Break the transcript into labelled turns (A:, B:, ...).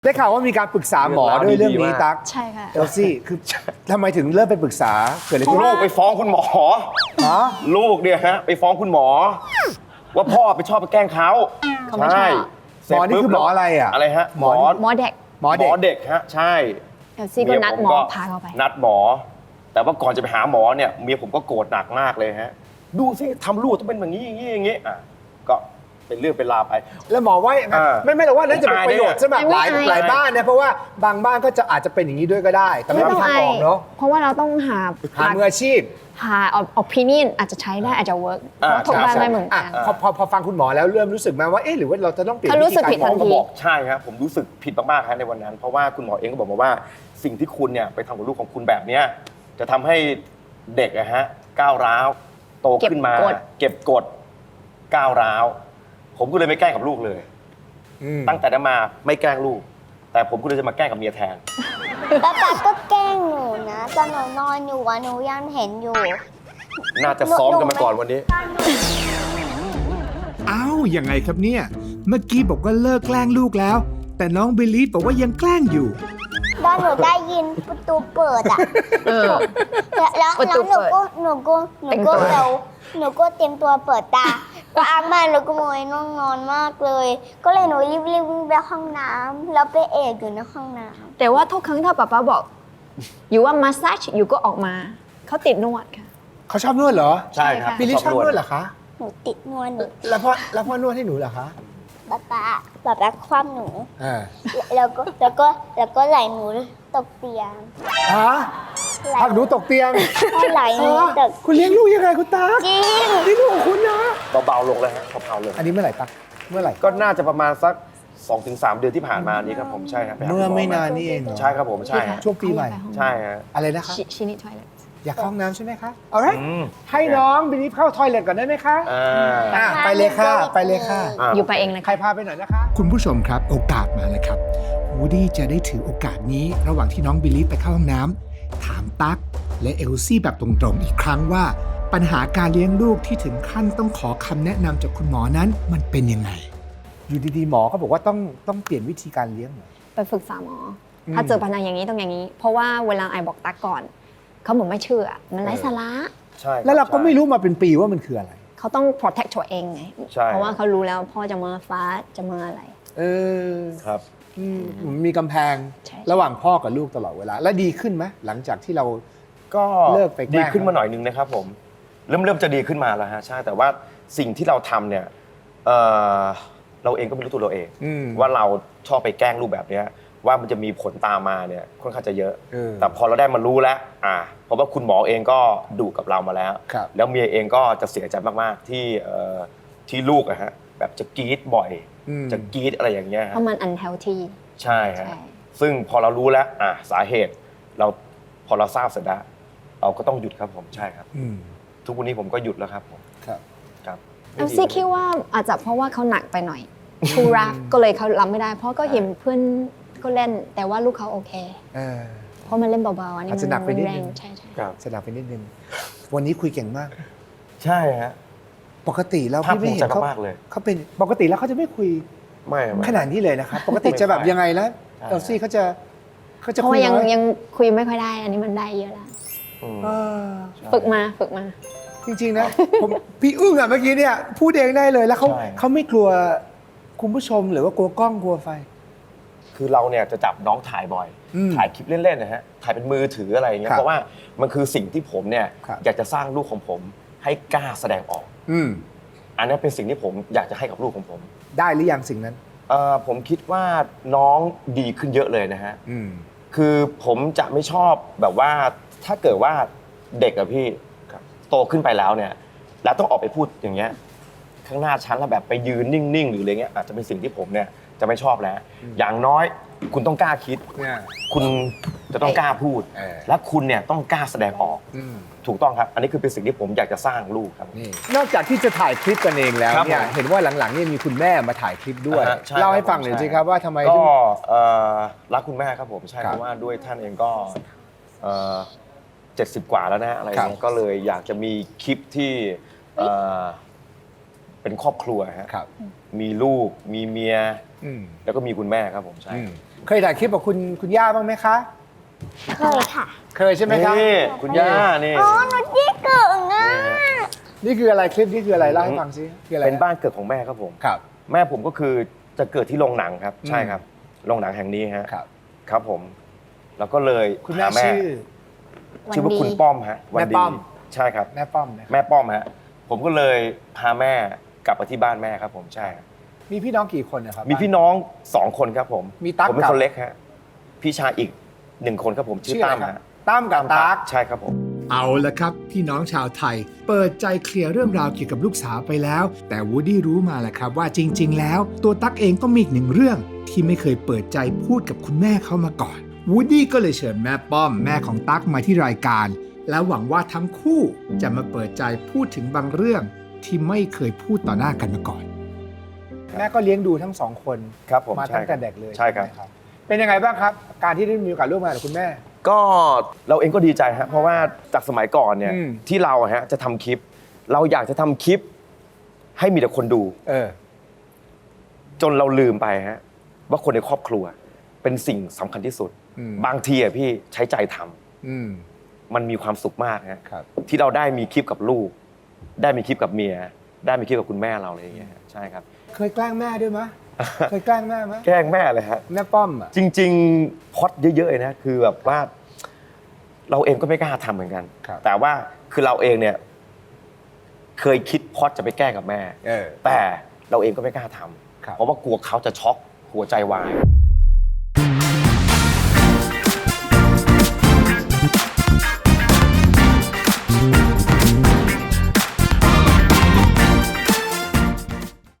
A: ได้ข่าวว่ามีการปรึกษาหมอด้วยเรื่องนี้ตั๊ก
B: ใช่ค่ะ
A: เอลซี่คือทำไมถึงเริ่มไปปรึกษาเกิดอะไรขึ้น
C: ลูกไปฟ้องคุณหมอ
A: ฮะ
C: ลูกเนี่ยฮะไปฟ้องคุณหมอ ว่าพ่อไปชอบไปแกล้งเขา
B: เขาไม่ชอบ
A: หมอนี่คือหมออะไรอ่ะ
C: อะไรฮะ
B: หมอเด็ก
A: หมอเด็ก
C: เด็กฮะใช่
B: เอลซี่ก็นัดหมอพาเขาไป
C: นัดหมอ แต่ว่าก่อนจะไปหาหมอเนี่ยเมียผมก็โกรธหนักมากเลยฮะดูสิทำลูกต้องเป็นอย่างนี้อย่างนี้อย่างนี้อ่ะก็เป็นเรื่องเป็นราวไป
A: แล้วหมอว่ายังไงไม่เราว่าน่าจะเป็นประโยชน์สำหรับหลาย
B: ไม่
A: หลายบ้านนะเพราะว่าบางบ้านก็จะอาจจะเป็นอย่างนี้ด้วยก็ได้ แต่ไม่มีทางออกเนาะ
B: เพราะว่าเราต้องหา
A: มืออาชีพ
B: หาopinion อาจจะใช้ได้อาจจะ work เพราะทุกบ้านไม่เหมือน
A: อ่ะ
B: กัน
A: พอฟังคุณหมอแล้วเริ่มรู้สึกไหมว่าเอ๊ะหรือว่าเราจะต้องเปลี่ยน
B: เขารู้สึกผิด
A: วิธี
B: ทันที
C: บอกใช่ครับผมรู้สึกผิดมากๆครับในวันนั้น เพราะว่าคุณหมอเองก็บอกมาว่าสิ่งที่คุณเนี่ยไปทำกับลูกของคุณแบบเนี้ยจะทำให้เด็กอะฮะก้าวร้าวโตขึ้นมา เก็บกดก้าวร้าวผมก็เลยไม่แกล้งกับลูกเลย ตั้งแต่นั้นมาไม่แกล้งลูก แต่ผมก็เลยจะมาแกล้งกับเมียแทน
D: แล้วตาก็แกล้งหนูนะตอนหนูนอนอยู่อะหนูยังเห็นอยู่
C: น่าจะซ้อมกันมาก่อนวันนี้
E: อ้าวยังไงครับเนี่ย เมื่อกี้บอกว่าเลิกแกล้งลูกแล้ว แต่น้องบิลลี่บอกว่ายังแกล้งอยู่
D: ตอนหนูได้ยินประตูเปิดอะแล้ว
B: ประตู
D: หนู
B: เปิด
D: ก็หนูก็หนูก็เร็วหนูก็เตรียมตัวเปิดตาก็อ้างบ้านหนูก็โมยน้องนอนมากเลย ก็เลยหนูรีบวิ่งไปห้องน้ำแล้วไปเอกอยู่ในห้องน้ำ
B: แต่ว่าทุกครั้งถ้าป๊าป๊าบอกอยู่ว่ามาสซาจอยู่ก็ออกมาเขาติดนวดค่ะ
A: เขาชอบนวดเหรอ
C: ใช่ครับ
A: บิลลี่ชอบนวดเหรอคะ
D: หนูติดนวดหนู
A: แล้วพ่อนวดให้หนูเหรอคะ
D: ป๊าคว่ำหนู
A: อ่า
D: แล้วก็ไหลหนูตกเตียง
A: ฮะพักหนูตกเตียง
D: ไหลหนูตก
A: คุณเลี้ยงลูกยังไงคุณตา
D: จริง
A: นี่ลูกของคุณนะ
C: เบาๆลงแล้วฮะเบาๆลง
A: อันนี้เมื่อไหร่ตั๊กเมื่อไหร่
C: ก็น่าจะประมาณสัก 2-3 เดือนที่ผ่านมานี้ครับผมใช่ครับปหา
A: เมื่อ
C: คุณห
A: ไม่นานนี่เองเหรอ
C: ใช่ครับผมใช่ฮะ
A: ช่วงปีใหม่
C: ใช่ฮะ
A: อะไรนะคะ
B: ชินิทอยเล
A: อยากเข้าห้องน้ำใช่ไหมคะเอาไร
C: อืม
A: ให้น้องบิลลี่เข้าทอยเลทก่อนได้ไหมคะ
C: อ่า
A: ไปเลยค่ะไปเลยค่ะ
B: อยู่ไปเองเลย
A: ใคร
B: ค่ะ
A: พาไปหน่อยนะคะ
E: คุณผู้ชมครับโอกาสมาแล้วครับวูดดี้จะได้ถือโอกาสนี้ระหว่างที่น้องบิลลี่ไปเข้าห้องน้ำถามตั๊กและเอลซี่แบบตรงๆอีกครั้งว่า ปัญหาการเลี้ยงลูกที่ถึงขั้นต้องขอคำแนะนำจากคุณหมอนั้นมันเป็นยังไง
A: อยู่ดีๆหมอเขาบอกว่าต้องเปลี่ยนวิธีการเลี้ยงเหรอ
B: ไปฝึกษาหมอถ้าเจอปัญหาอย่างนี้ต้องอย่างนี้ เพราะว่าเวลาไอบอกตักก่อนเขาบอกไม่เชื่อมันไร้สาระ
C: ใช่คบ
A: แล้วเราก็ไม่รู้มาเป็นปีว่ามันคืออะไร
B: เขาต้อง protect ตัวเองไง
C: ใช่
B: เพราะว่าเขารู้แล้วพ่อจะมาฟ้าจะมาอะไร
A: เออ
C: ครับ
A: มีกำแพง
B: ใช่
A: ระหว่างพ่อกับลูกตลอดเวลา แล้วดีขึ้นไหมหลังจากที่เรา
C: ก็
A: เลิกไปแกล้ง
C: ดีขึ้นมาหน่อยนึงนะครับผมเริ่มจะดีขึ้นมาแล้วฮะใช่แต่ว่าสิ่งที่เราทำเนี่ยเอ่อเราเองก็ไม่รู้ตัวเราเอง ว่าเราชอบไปแกล้งลูกแบบเนี้ยว่ามันจะมีผลตามมาเนี่ยค่อนข้างจะเยอะ แต่พอเราได้มารู้แล้วเพราะว่าคุณหมอเองก็ดุกับเรามาแล้ว
A: ครับ
C: แล้วเมียเองก็จะเสียใจมากๆที่ลูกอะฮะแบบจะกรี๊ดบ่อย จะกรี๊ดอะไรอย่างเงี้ย
B: เพ
C: ฮะ
B: ราะมัน unhealthy
C: ใช่ฮะ
B: ใช่
C: ซึ่งพอเรารู้แล้วสาเหตุเราพอเราทราบเสร็จแล้วเราก็ต้องหยุดครับผมใช่ครับ ทุกวันนี้ผมก็หยุดแล้วครับผม
A: ครับ
C: ครับ
B: เอลซี่คิดว่าอาจจะเพราะว่าเขาหนักไปหน่อยทูรักก็เลยเขารับไม่ได้ เพราะก็เห็นเพื่อนก็เล่น แต่ว่าลูกเขาโอเค เพราะมันเล่นเบาๆอันนี้
A: อาจจะหนักไปนิดนึง
B: แรงใช่
C: ครับ
A: สนับไปนิดนึง วันนี้คุยเก่งมาก
C: ใช่ฮะ
A: ปกติแล้ว
C: ภาค
A: พี่
C: ภู
A: ไม่
C: มิ
A: เห็
C: ใจ
A: นเขา
C: มากๆเลย
A: เขาเป็นปกติแล้วเขาจะไม่คุย
C: ไม่
A: ขนาดนี้เลยนะครับ ปกติจะแบบยังไงแล้ว
C: ใช่
A: เอลซี่เขาจะ
B: เพ
A: คุ
B: ราะ
A: ย
B: ว่ายัง
A: น้อย
B: ยังคุยไม่ค่อยได้ อันนี้มันได้เยอะแล้ว
C: อืม
A: เออ
B: ฝึกมา
A: จริงๆนะ พี่อึ้งอ่ะเมื่อกี้เนี่ยพูดเองได้เลยแล้วเขาไม่กลัวคุณผู้ชมหรือว่ากลัวกล้องกลัวไฟ
C: คือเราเนี่ยจะจับน้องถ่ายบ่อย ถ่ายคลิปเล่นๆนะฮะถ่ายเป็นมือถืออะไรอย่างเงี้ย
A: ครับ
C: เพราะว่ามันคือสิ่งที่ผมเนี่ย
A: ครับ
C: อยากจะสร้างลูกของผมให้กล้าแสดงออก อันนี้เป็นสิ่งที่ผมอยากจะให้กับลูกของผม
A: ได้หรือยังสิ่งนั้น
C: ผมคิดว่าน้องดีขึ้นเยอะเลยนะฮะ คือผมจะไม่ชอบแบบว่าถ้าเกิดว่าเด็กอะพี่โตขึ้นไปแล้วเนี่ยแล้วต้องออกไปพูดอย่างเงี้ยข้างหน้าชั้นแล้วแบบไปยืนนิ่งๆหรืออะไรเงี้ยอาจจะเป็นสิ่งที่ผมเนี่ยจะไม่ชอบแล้ว อย่างน้อยคุณต้องกล้าคิด คุณจะต้องกล้าพูด และคุณเนี่ยต้องกล้าแสดงออกถูกต้องครับ อันนี้คือเป็นสิ่งที่ผมอยากจะสร้างลูกครับ
A: นอกจากที่จะถ่ายคลิปกันเองแล้ว
C: ครับ
A: เนี่ย
C: ผม
A: เห็นว่าหลังๆเนี่ยมีคุณแม่มาถ่ายคลิปด้วย
C: อ่าฮะใช่
A: เล่าให้
C: ครับ
A: ฟังหน่อย
C: ใช่
A: สิครับว่าทำไม
C: ก็
A: ถึง
C: รักคุณแม่ครับผมใช่
A: ครับ
C: เพราะว่าด้วยท่านเองก็70 กว่าแล้วนะอะไร
A: ครับ
C: เงี้ยก็เลยอยากจะมีคลิปที่เป็นครอบครัวฮะ
A: ครับ
C: มีลูกมีเมีย
A: อืม
C: แล้วก็มีคุณแม่ครับผมใช่
A: อืมเคยถ่ายคลิปกับคุณย่าบ้างไหมคะ
D: เคยค่ะ
A: เคยใช่ไหมครับ
C: นี่คุณย่านี่
D: อ๋อหนูจี้เก่งอ่ะ
A: นี่คืออะไรคลิปนี้คืออะไรเล่าให้ฟังซิคืออะไร
C: เป็นบ้านเกิดของแม่ครับผม
A: ครับ
C: แม่ผมก็คือจะเกิดที่โรงหนังครับ
A: อืม
C: ใช่ครับโรงหนังแห่งนี้ฮะ
A: ครับ
C: ครับผม แล้วก็เลย
A: คุณแม่
C: หา
A: ชื่อ
C: ชื่อว่าคุณป้อมฮะวัน
A: แม่
C: ดี
A: ป้อม
C: ใช่ครับ
A: แม่ป้อมนะครับ
C: แม่ป้อมฮะผมก็เลยพาแม่กลับมาที่บ้านแม่ครับผมใช่ครับ
A: มีพี่น้องกี่คนนะครับ
C: มีพี่น้อง2 คนครับผม
A: มีตั๊ก
C: ผมเป็น
A: กับ
C: คนเล็กฮะพี่ชายอีก1 คนครับผมชื่อ
A: ชื่ออะไร
C: ตั้ม
A: ครับ
C: ฮะ
A: ตั้มกับตั๊ก
C: ใช่ครับผม
E: เอาละครับ พี่น้องชาวไทย เปิดใจเคลียร์เรื่องราวเกี่ยวกับลูกสาวไปแล้ว แต่วูดดี้รู้มาแหละครับว่าจริง ๆ แล้ว ตัวตั๊กเองก็มีอีกหนึ่งเรื่อง ที่ไม่เคยเปิดใจพูดกับคุณแม่เขามาก่อนวูดดี้ก็เลยเชิญแม่ป้อมแม่ของตั๊กมาที่รายการ แล้วหวังว่าทั้งคู่จะมาเปิดใจพูดถึงบางเรื่องที่ไม่เคยพูดต่อหน้ากันมาก่อน
A: แม่ก็เลี้ยงดูทั้งสองคน
C: ครับผม
A: มา
C: ใช่
A: ตั้งแต่
C: ครับ
A: เด็กเลย
C: ใช่ครับ
A: ไหมเป็นยังไงบ้างครับ การที่ได้มีโอกาสร่วมงานกับคุณแม่
C: ก็เราเองก็ดีใจฮะเพราะว่าจากสมัยก่อนเนี่ย
A: อืม
C: ที่เราฮะจะทำคลิป เราอยากจะทำคลิป ให้มีแต่คนดู
A: เออ
C: จนเราลืมไปฮะว่าคนในครอบครัวเป็นสิ่งสำคัญที่สุด
A: อืม
C: บางทีอะพี่ใช้ใจทำ
A: อืม
C: มันมีความสุขมากฮะ
A: ครับ
C: ที่เราได้มีคลิปกับลูก ได้มีคลิปกับเมีย ได้มีคลิปกับคุณแม่เราอะไรอย่างเงี้ยฮะใช่ครับ
A: เคยแกล้งแม่ด้วยมะ เคยแกล้งแม่มะ
C: แกล้งแม่เลยฮะ
A: แม่ป้อมอ่ะ
C: จริงๆพล็อดเยอะๆเลยนะคือแบบว่า เราเองก็ไม่กล้าทำเหมือนกัน
A: ครับ
C: แต่ว่าคือเราเองเนี่ย เคยคิดพล็อดจะไปแกล้งกับแม่
A: เออ
C: แต่เราเองก็ไม่กล้าทำ
A: ครับ
C: เพราะว่ากลัวเขาจะช็อกหัวใจวาย